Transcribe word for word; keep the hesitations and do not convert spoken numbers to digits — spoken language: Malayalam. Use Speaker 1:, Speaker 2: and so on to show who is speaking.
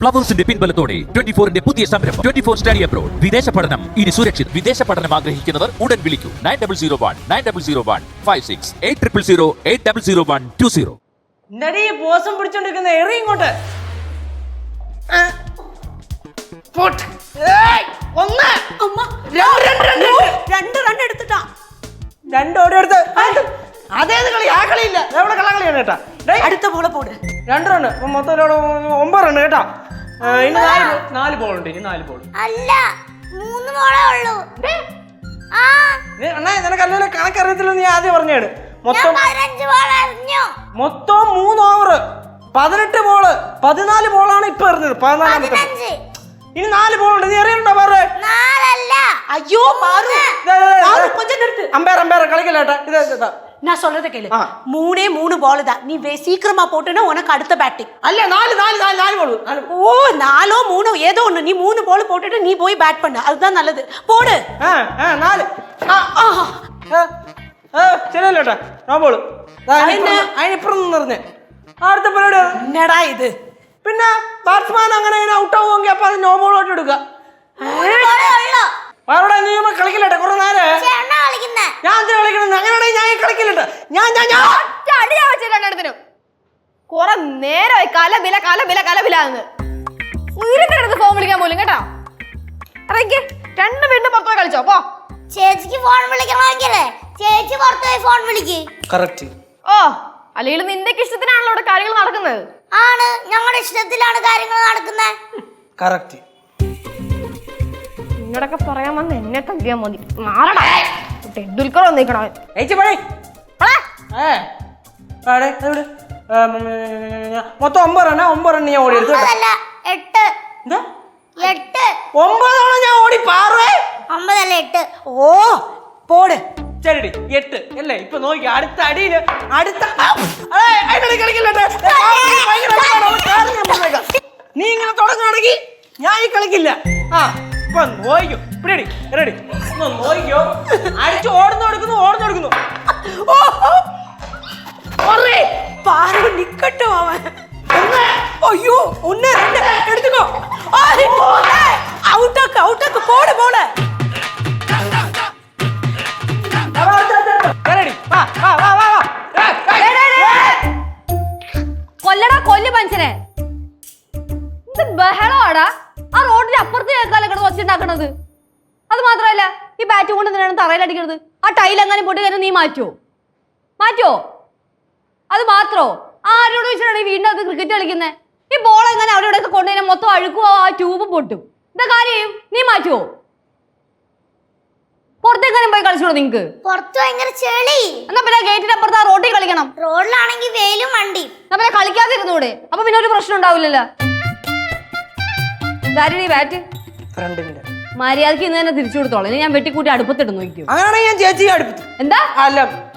Speaker 1: ഫ്ലവേഴ്സിന്റെ പിൻബലത്തോടെ ട്വന്റി ഫോറിന്റെ പുതിയ സംരംഭം ട്വന്റി ഫോർ സ്റ്റഡി അബ്രോഡ്. വിദേശ പഠനം ഇനി സുരക്ഷിത്. വിദേശ പഠനം ആഗ്രഹിക്കുന്നവർ ഉടൻ വിളിക്കൂ nine double zero one nine double zero one five six eight triple zero eight double zero one two zero.
Speaker 2: നടി ബോസം പിടിച്ചോണ്ടിരിക്കുന്ന എറി ഇങ്ങോട്ട്. ഒന്ന്
Speaker 3: രണ്ട് റൺ എടുത്തിട്ടാ
Speaker 2: രണ്ട് ഓടി എടുത്ത് അതേത് കളി ആ കളിയില്ല എവിടെ കള്ളകളിയാണ് കേട്ടാ.
Speaker 3: അടുത്ത ബോളെ പോട്.
Speaker 2: രണ്ട് റണ്ണ് മൊത്തം ഒമ്പത് റണ്ണ് കേട്ടാ. ഇനി നാല് നാല് ബോൾ ഉണ്ട്. ഇനി നാല് ബോൾ
Speaker 4: അല്ല മൂന്ന് ബോളേ ഉള്ളൂ.
Speaker 2: അണ്ണാ നിനക്ക് അല്ലേ കണക്കറിയത്തില്ല. നീ ആദ്യം പറഞ്ഞാണ് മൊത്തം മൊത്തം മൂന്ന് ഓവർ പതിനെട്ട് ബോള് പതിനാല് ബോളാണ് ഇപ്പൊ എറിഞ്ഞത്. പതിനാലാമത്തെ ഇനി നാല് ബോൾ ഉണ്ട്. നീ എറിയണ്ടോ പാറ?
Speaker 3: അയ്യോ
Speaker 2: അമ്പയർ അമ്പയർ കളിക്കല്ലേട്ടാ. ഇത്
Speaker 3: நான் சொல்றத கேளு. மூணே மூணு பால் தான். நீ சீக்கிரமா போட்டேன்னா உனக்கு அடுத்த பேட்டிங்.
Speaker 2: அல்ல நாலு நாலு நாலு நாலு பால்.
Speaker 3: ஓ நாலோ மூணோ ஏதோ ஒண்ணு. நீ மூணு பால் போட்டுட்டு நீ போய் பேட் பண்ணு. அதுதான் நல்லது. போடு.
Speaker 2: നാല് ശരിയല്ലേട്ടാ. ആ ബോള് അതിനിപ്പുറം നിറഞ്ഞ് അടുത്ത പരിപാടി
Speaker 3: എന്നടാ ഇത്.
Speaker 2: പിന്നെ ബാറ്റ്സ്മാൻ അങ്ങനെ ഔട്ട് ആവുമെങ്കിൽ അപ്പൊ അത് നോ ബോളോട്ട് എടുക്കുക. അവരുടെ നീ കളിക്കില്ലട്ടെ കുറെ നേരം. ഞാൻ എന്തിനാ കളിക്കണം? അങ്ങനെയാണെങ്കിൽ ഞാൻ കളിക്കില്ലട്ടെ. ഞാൻ ഞാൻ ഞാൻ
Speaker 5: രണ്ടെണ്ണത്തിനും കുറെ നേരമായി കലബില കലബില കലബിലാന്ന് ഉയരത്തിനടുത്ത് ഫോൺ വിളിക്കാൻ പോലും കേട്ടോ. ഇറങ്ങി രണ്ട് വീണ്ടും പുറത്തുപോയി കളിച്ചോ പോ.
Speaker 4: ചേച്ചിക്ക് ഫോൺ വിളിക്കണമെങ്കിലേ ചേച്ചി പുറത്തുപോയി ഫോൺ വിളിക്ക്.
Speaker 2: കറക്റ്റ്.
Speaker 5: ഓ അല്ലെങ്കിൽ നിന്റെ ഇഷ്ടത്തിനാണല്ലോ ഇവിടെ കാര്യങ്ങൾ നടക്കുന്നത്.
Speaker 4: ആണ് ഞങ്ങളുടെ ഇഷ്ടത്തിലാണ് കാര്യങ്ങൾ നടക്കുന്നത്.
Speaker 2: കറക്റ്റ്.
Speaker 5: നിങ്ങളൊക്കെ പറയാൻ വന്ന് എന്നെ തല്ലിയാ മതി. മാറടാ ടെണ്ടുൽക്കർ വന്നിക്കണോ.
Speaker 2: മൊത്തം ഒമ്പത് റണ്ണ ഒമ്പത് റണ്ണ് ഞാൻ ഓടി എടുത്തു.
Speaker 4: എട്ട് എട്ട്
Speaker 2: ഒമ്പതോളം ഞാൻ ഓടി പാറേ.
Speaker 4: ഒമ്പതല്ല എട്ട്.
Speaker 3: ഓ പോട്.
Speaker 2: ശരി എട്ട് അല്ലേ. ഇപ്പൊ നോക്കി അടുത്ത അടിയില് അടുത്ത കളിക്കില്ലട്ടെ. നീ ഇങ്ങനെ തുടങ്ങുകയാണെങ്കിൽ ഞാൻ ഈ കളിക്കില്ല. ആ ഇപ്പൊ നോയിക്കോ. Ready ready നോയിക്കോ. അടിച്ച് ഓടുന്നു എടുക്കുന്നു ഓടുന്നു എടുക്കുന്നു.
Speaker 3: പാറു നിക്കട്ടോ അവൻ. അയ്യോ ഒന്ന് രണ്ട് എടുത്തുക്കോ. ഔട്ടാക്ക് ഔട്ടാക്ക് പോട് പോള്.
Speaker 5: കൊല്ലടാ കൊല്ലു മനുഷ്യനെ. ഇത് ബഹളമാടാ. ആ റോഡിന്റെ അപ്പുറത്ത് കേൾക്കാല്ലേ കിടന്ന് വച്ചിട്ടുണ്ടാക്കണത്. അത് മാത്രമല്ല ഈ ബാറ്റ് കൊണ്ട് എന്തിനാണ് തറയിലടിക്കണത്? ആ ടൈൽ എങ്ങനെ പൊട്ടി കഴിഞ്ഞാൽ നീ മാറ്റുമോ? മാറ്റുമോ? അത് മാത്രോ ആരോട് വെച്ചിട്ടാണ് ഈ വീടിന്റെ അകത്ത് ക്രിക്കറ്റ് കളിക്കുന്നത്? ഈ ബോൾ എങ്ങനെ അവിടെ ഇവിടെയൊക്കെ കൊണ്ടുകഴിഞ്ഞാൽ മൊത്തം അഴുക്കുവോ ആ ട്യൂബ് പൊട്ടും. എന്താ കാര്യം? നീ മാറ്റുമോ? പുറത്തെങ്ങനെ പോയി കളിച്ചോളൂ നിങ്ങക്ക്.
Speaker 4: പുറത്ത് ഭയങ്കര ചെളി.
Speaker 5: എന്നാ പിന്നെ ഗേറ്റിന്റെ അപ്പുറത്ത് ആ റോഡിൽ കളിക്കണം.
Speaker 4: റോഡിലാണെങ്കിൽ വെയിലും വണ്ടി.
Speaker 5: എന്നാ പിന്നെ കളിക്കാതിരുന്നൂടെ? അപ്പൊ പിന്നെ ഒരു പ്രശ്നം ഉണ്ടാവില്ലല്ലോ. ബാറ്റ് മര്യാദക്ക് ഇന്ന് തന്നെ തിരിച്ചു കൊടുത്തോളാം. ഞാൻ വെട്ടിക്കൂട്ടി അടുപ്പത്തിട്ട് നോക്കിയോ.
Speaker 2: അങ്ങനെയാണെങ്കിൽ ഞാൻ ചേച്ചി അടുപ്പത്ത്.
Speaker 5: എന്താ
Speaker 2: അല്ല